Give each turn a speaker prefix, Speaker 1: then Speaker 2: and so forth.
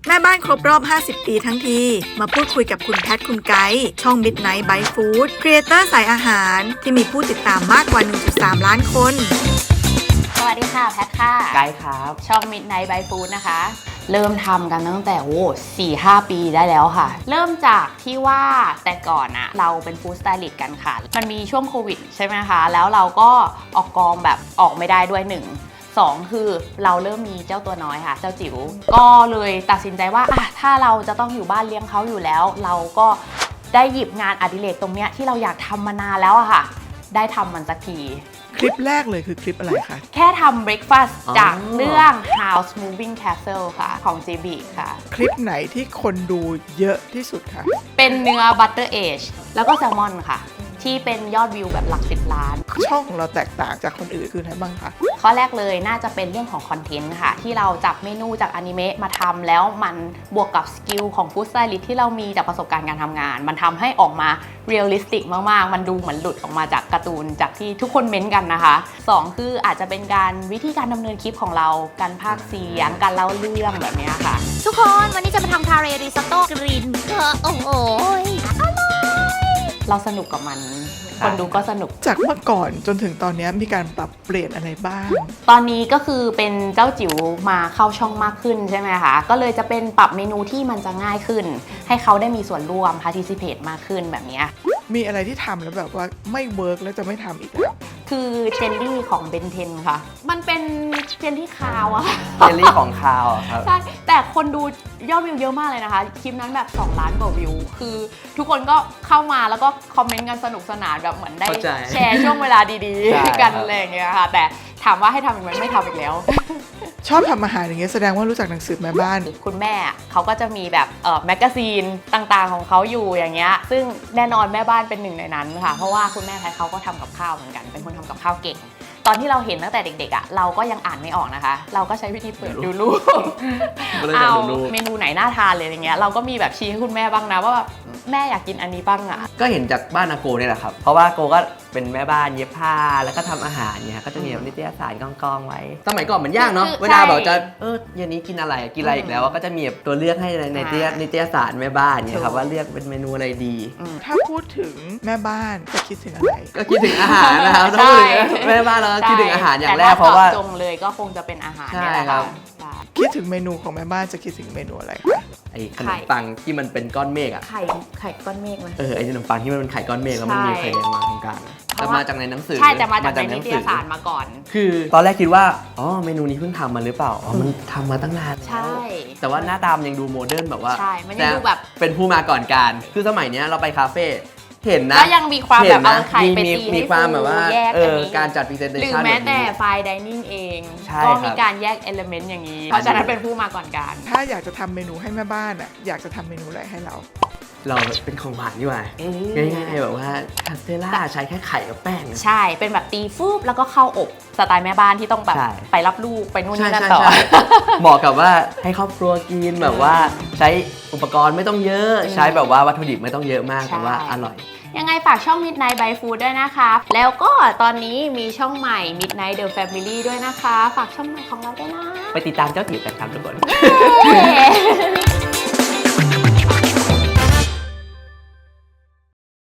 Speaker 1: แม่บ้านครบรอบ 50 ปีทั้งที มาพูดคุยกับคุณแพทคุณไกด์ช่อง Midnight by Food ครีเอเตอร์สายอาหารที่มีผู้ติดตามมากกว่า 1.3 ล้านคน
Speaker 2: สวัสดีค่ะแพทค่ะ
Speaker 3: ไกด์ครับ
Speaker 2: ช่อง Midnight by Food นะคะ เริ่มทำกันตั้งแต่4-5 ปีได้แล้วค่ะ เริ่มจากที่ว่าแต่ก่อนอะเราเป็นฟู้ดสไตลิสต์กันค่ะ มันมีช่วงโควิดใช่ไหมคะ แล้วเราก็ออกกองแบบออกไม่ได้ด้วย2 คือเราเริ่มมีเจ้าตัวน้อยค่ะ เจ้าจิ๋วก็เลยตัดสินใจว่าถ้าเราจะต้องอยู่บ้านเลี้ยงเขาอยู่แล้ว เราก็ได้หยิบงานอดิเรกตรงเนี้ยที่เราอยากทำมานานแล้วอะค่ะ ได้ทำมันสักที
Speaker 1: คลิปแรกเลยคือคลิปอะไรคะ
Speaker 2: แค่ทำเบรคฟาสต์จากเรื่อง House Moving Castle ค่ะ ของ JB ค่ะ
Speaker 1: คลิปไหนที่คนดูเยอะที่สุดคะ
Speaker 2: เป็นเนื้อ Butter Age แล้วก็แซลมอนค่ะ ที่เป็นยอดวิวแบบหลัก10 ล้าน
Speaker 1: ช่องของเราแตกต่างจากคนอื่นคืออะไรบ้างคะ
Speaker 2: ข้อแรกเลยน่าจะเป็นเรื่องของคอนเทนต์ค่ะ ที่เราจับเมนูจากอนิเมะมาทำแล้วมันบวกกับสกิลของฟู้ดสไตลิสต์ที่เรามีจากประสบการณ์การทำงาน มันทำให้ออกมาเรียลลิสติกมากๆ มันดูเหมือนหลุดออกมาจากการ์ตูนจากที่ทุกคนเม้นต์กันนะคะ2คืออาจจะเป็นการวิธีการดำเนินคลิปของเราการพากย์เสียงการเล่าเรื่องแบบนี้ค่ะ
Speaker 4: ทุกคนวันนี้จะมาทำคาเรริซอตโต้กรีนโอ้โห
Speaker 2: เราสนุกกับมัน คนดูก็สนุก
Speaker 1: จากเมื่อก่อนจนถึงตอนนี้มีการปรับเปลี่ยนอะไรบ้าง
Speaker 2: ตอนนี้ก็คือเป็นเจ้าจิ๋วมาเข้าช่องมากขึ้นใช่ไหมคะ ก็เลยจะเป็นปรับเมนูที่มันจะง่ายขึ้น ให้เขาได้มีส่วนร่วม participate มากขึ้นแบบนี้
Speaker 1: มีอะไรที่ทำแล้วแบบว่าไม่เวิร์กแล้วจะไม่ทำอีกแล้ว
Speaker 2: คือเจลลี่ของเบนเทนค่ะ มันเป็นเจลลี่คาวอะ
Speaker 3: เจลลี่ของคาวอะครับ
Speaker 2: ใช่ แต่คนดูยอดวิวเยอะมากเลยนะคะ คลิปนั้นแบบ 2 ล้านกว่าวิว คือทุกคนก็เข้ามาแล้วก็คอมเมนต์กันสนุกสนานแบบเหมือนได้
Speaker 3: เข้าใจ
Speaker 2: แชร์ช่วงเวลาดี
Speaker 3: ใช่
Speaker 2: ๆ กัน
Speaker 3: ครับ
Speaker 2: อะไรอย่างเงี้ยค่ะ แต่ถามว่าให้ทำอีกไหมไม่ทำอีกแล้ว
Speaker 1: ชอบทำอาหารอย่างเงี้ยแสดงว่ารู้จักหนังสือแม่บ้าน
Speaker 2: คุณแม่เขาก็จะมีแบบแมกกาซีนต่างๆของเขาอยู่อย่างเงี้ย ซึ่งแน่นอนแม่บ้านเป็นหนึ่งในนั้นค่ะ เพราะว่าคุณแม่แพทเขาก็ทำกับข้าวเหมือนกัน เป็นคนทำกับข้าวเก่ง ตอนที่เราเห็นตั้งแต่เด็กๆอ่ะ เราก็ยังอ่านไม่ออกนะคะ เราก็ใช้วิธีเปิดดูรูป
Speaker 3: ก็เลย
Speaker 2: เอา
Speaker 3: ดูรูป
Speaker 2: เมนูไหนน่าทานเลยอย่างเงี้ย เราก็มีแบบชี้ให้คุณแม่บ้างนะว่าแบบแม่อยากกินอันนี้บ้างอ่ะ
Speaker 3: ก็เห็นจากบ้านอาโกเนี่ยแหละครับ เพราะว่าโกก็เป็นแม่บ้านเย็บผ้าแล้วก็ทำอาหารเนี่ยก็จะมีแบบนิตยสารกองๆไว้ สมัยก่อนมันยากเนาะ
Speaker 2: คือ
Speaker 3: เวลาแบบจะ
Speaker 2: ใช่
Speaker 3: เย็นนี้กินอะไรกินอะไรอีกแล้วก็จะมีแบบตัวเลือกให้ในนิตยสารแม่บ้านเนี่ยครับว่าเลือกเป็นเมนูอะไรดี
Speaker 1: ถ้าพูดถึงแม่บ้านจะคิดถึงอะไร
Speaker 3: ก็คิดถึงอาหารนะครับถ้าพูดถึงแม่บ้านเราก็คิดถึงอาหารอย่างแรกเพราะว่า
Speaker 2: แต่ถ้จงเลยก็คงจะเป็นอาหารเนี่ยแหละ
Speaker 3: ใช่ครั
Speaker 2: ค่ะ
Speaker 3: บ
Speaker 2: ใช่
Speaker 1: คิดถึงเมนูของแม่บ้านจะคิดถึงเมนูอะไรคะ
Speaker 3: ไอ้ขนมปังที่มันเป็นก้อนเมฆอะ
Speaker 2: ไข่ก้อนเมฆนะ
Speaker 3: ไอ้ขนมปังที่มันเป็นไข่ก้อนเมฆแล้วมันมีไข่แดงมาตรงกลางอะ
Speaker 2: เพ
Speaker 3: แต่
Speaker 2: ราะว่า
Speaker 3: มาจากในหนังสือ
Speaker 2: ใช่แต่มาจากในนิตยสารมาก่อน
Speaker 3: คือตอนแรกคิดว่าเมนูนี้เพิ่งทำมาหรือเปล่ามันทำมาตั้งนานแล้ว
Speaker 2: ใช่
Speaker 3: แต่ว่าหน้าตามนยังดูโมเดิร์นแบบว่า
Speaker 2: ใช่มันยังดูแบบ
Speaker 3: เป็นผู้มาก่อนการคือสมัยเนี้ยเราไปคาเฟ่เห็นนะ
Speaker 2: ก็ยังมีความแบบเอาไข่ไปตี
Speaker 3: มี
Speaker 2: ให้
Speaker 3: ความแบบว่า
Speaker 2: ฟูแยกกันนี้
Speaker 3: การจัดพรีเซนเต
Speaker 2: หรือ
Speaker 3: ชัน
Speaker 2: แม้แต่
Speaker 3: บบนี้
Speaker 2: ไฟน์ไดนิ่งเอง
Speaker 3: ใช่
Speaker 2: ก็
Speaker 3: ครั
Speaker 2: มี
Speaker 3: บ
Speaker 2: การแยกเอลเมนต์อย่างนี้ เพราะฉะนั้นเป็นผู้มาก่อนการ
Speaker 1: ถ้าอยากจะทำเมนูให้แม่บ้านอ่ะอยากจะทำเมนูอะไรให้เรา
Speaker 3: เราเป็นของหวานดีกว่าง่ายๆแบบว่าคาสเตล่าใช้แค่ไข่กับแป้ง
Speaker 2: ใช่เป็นแบบตีฟูบแล้วก็เข้าอบสไตล์แม่บ้านที่ต้องแบบ
Speaker 3: ใช่
Speaker 2: ไปรับลูกไปนู่น
Speaker 3: ใช่
Speaker 2: นี่นั่น
Speaker 3: ใช่
Speaker 2: ต่อ
Speaker 3: ใช่เหมาะกับว่าให้ครอบครัวกินแบบว่าใช้อุปกรณ์ไม่ต้องเยอะใช้แบบว่าวัตถุดิบไม่ต้องเยอะมาก
Speaker 2: ใช่
Speaker 3: แต่ว่าอร่อย
Speaker 2: ยังไงฝากช่อง Midnight by Food ด้วยนะคะ แล้วก็ตอนนี้มีช่องใหม่ Midnight The Family ด้วยนะคะ ฝากช่องใหม่ของเราด้วยนะ
Speaker 3: ไปติดตามเจ้าจิ๋วกันครับทุกคน
Speaker 2: เย้